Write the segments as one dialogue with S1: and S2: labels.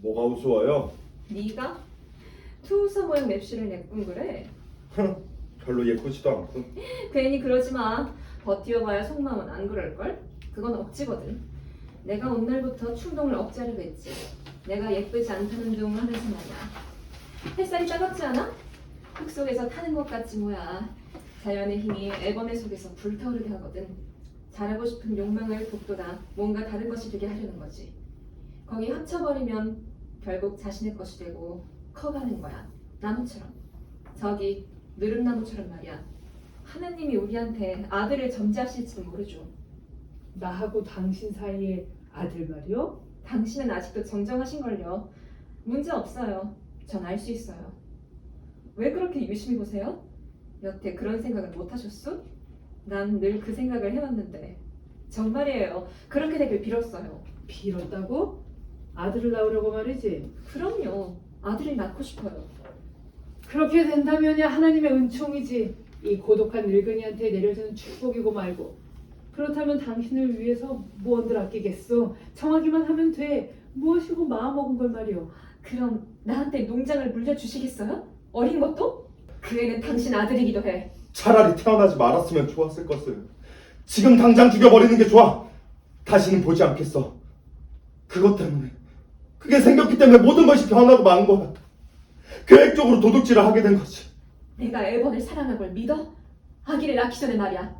S1: 뭐가 우스워요?
S2: 네가? 투우서 모양 맵시를 내꾼 그래?
S1: 별로 예쁘지도 않고.
S2: 괜히 그러지 마. 버티어봐야 속마음은 안 그럴걸? 그건 억지거든. 내가 온 날부터 충동을 억제하려고 했지. 내가 예쁘지 않다는 둥 하면서 말이야. 햇살이 따갑지 않아? 흙 속에서 타는 것 같지 뭐야. 자연의 힘이 애벌레 속에서 불타오르게 하거든. 잘하고 싶은 욕망을 북돋아 뭔가 다른 것이 되게 하려는 거지. 거기 합쳐버리면 결국 자신의 것이 되고 커가는 거야. 나무처럼. 저기 느릅나무처럼 말이야. 하나님이 우리한테 아들을 점지하실지도 모르죠.
S3: 나하고 당신 사이에 아들 말이요?
S2: 당신은 아직도 정정하신걸요. 문제 없어요. 전 알 수 있어요. 왜 그렇게 유심히 보세요? 여태 그런 생각을 못 하셨어? 난 늘 그 생각을 해왔는데 정말이에요. 그렇게 되길 빌었어요.
S3: 빌었다고? 아들을 낳으려고 말이지.
S2: 그럼요. 아들을 낳고 싶어요.
S3: 그렇게 된다면야 하나님의 은총이지. 이 고독한 늙은이한테 내려주는 축복이고 말고. 그렇다면 당신을 위해서 무언들 아끼겠소. 청하기만 하면 돼. 무엇이고 마음먹은 걸 말이오.
S2: 그럼 나한테 농장을 물려주시겠어요? 어린 것도? 그 애는 당신 아들이기도 해.
S1: 차라리 태어나지 말았으면 좋았을 것을. 지금 당장 죽여버리는 게 좋아. 다시는 보지 않겠어. 그것 때문에, 그게 생겼기 때문에 모든 것이 변하고 만 거야. 계획적으로 도둑질을 하게 된 거지.
S2: 내가 애번을 사랑한 걸 믿어? 아기를 낳기 전에 말이야.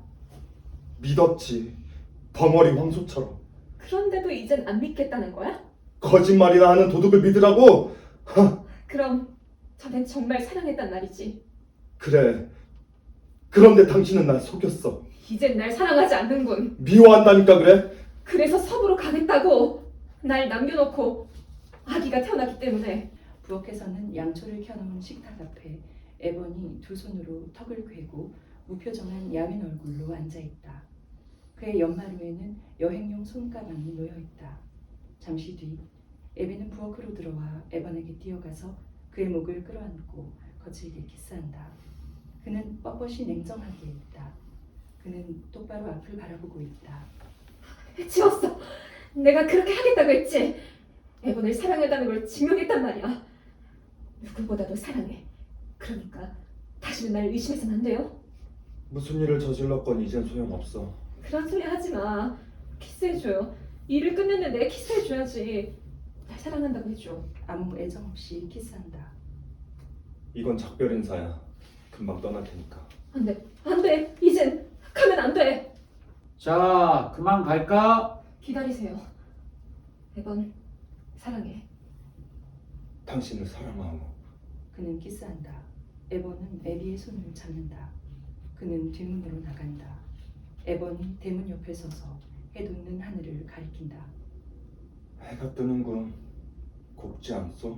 S1: 믿었지. 벙어리 황소처럼.
S2: 그런데도 이젠 안 믿겠다는 거야?
S1: 거짓말이나 하는 도둑을 믿으라고?
S2: 그럼 전엔 정말 사랑했단 말이지.
S1: 그래. 그런데 당신은 날 속였어.
S2: 이젠 날 사랑하지 않는군.
S1: 미워한다니까 그래?
S2: 그래서 섭으로 가겠다고. 날 남겨놓고 아기가 태어났기 때문에.
S4: 부엌에서는 양초를 켜놓은 식탁 앞에 에번이 두 손으로 턱을 괴고 무표정한 야윈 얼굴로 앉아있다. 그의 연마루에는 여행용 손가방이 놓여있다. 잠시 뒤 에비는 부엌으로 들어와 에번에게 뛰어가서 그의 목을 끌어안고 거칠게 키스한다. 그는 뻣뻣이 냉정하게 있다. 그는 똑바로 앞을 바라보고 있다.
S2: 지웠어. 내가 그렇게 하겠다고 했지. 애번을 사랑했다는 걸 증명했단 말이야. 누구보다도 사랑해. 그러니까 다시는 날 의심해서는 안 돼요.
S1: 무슨 일을 저질렀건 이젠 소용없어.
S2: 그런 소리 하지 마. 키스해줘요. 일을 끝냈는데 키스해줘야지. 날 사랑한다고 해줘.
S4: 아무 애정 없이 키스한다.
S1: 이건 작별 인사야. 금방 떠날 테니까.
S2: 안 돼. 안 돼. 이젠 가면 안 돼.
S5: 자, 그만 갈까?
S2: 기다리세요. 애번 사랑해.
S1: 당신을 사랑하오.
S4: 그는 키스한다. 에번은 에비의 손을 잡는다. 그는 뒷문으로 나간다. 에번이 대문 옆에 서서 해돋는 하늘을 가리킨다.
S1: 해가 뜨는군. 곱지 않소?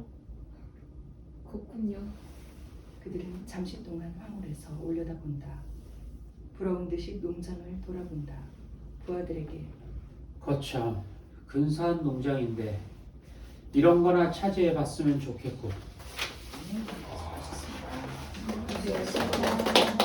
S2: 곱군요.
S4: 그들은 잠시 동안 황홀해서 올려다본다. 부러운 듯이 농장을 돌아본다. 부하들에게
S5: 거참, 근사한 농장인데 이런 거나 차지해봤으면 좋겠고.
S4: 수고하셨습니다.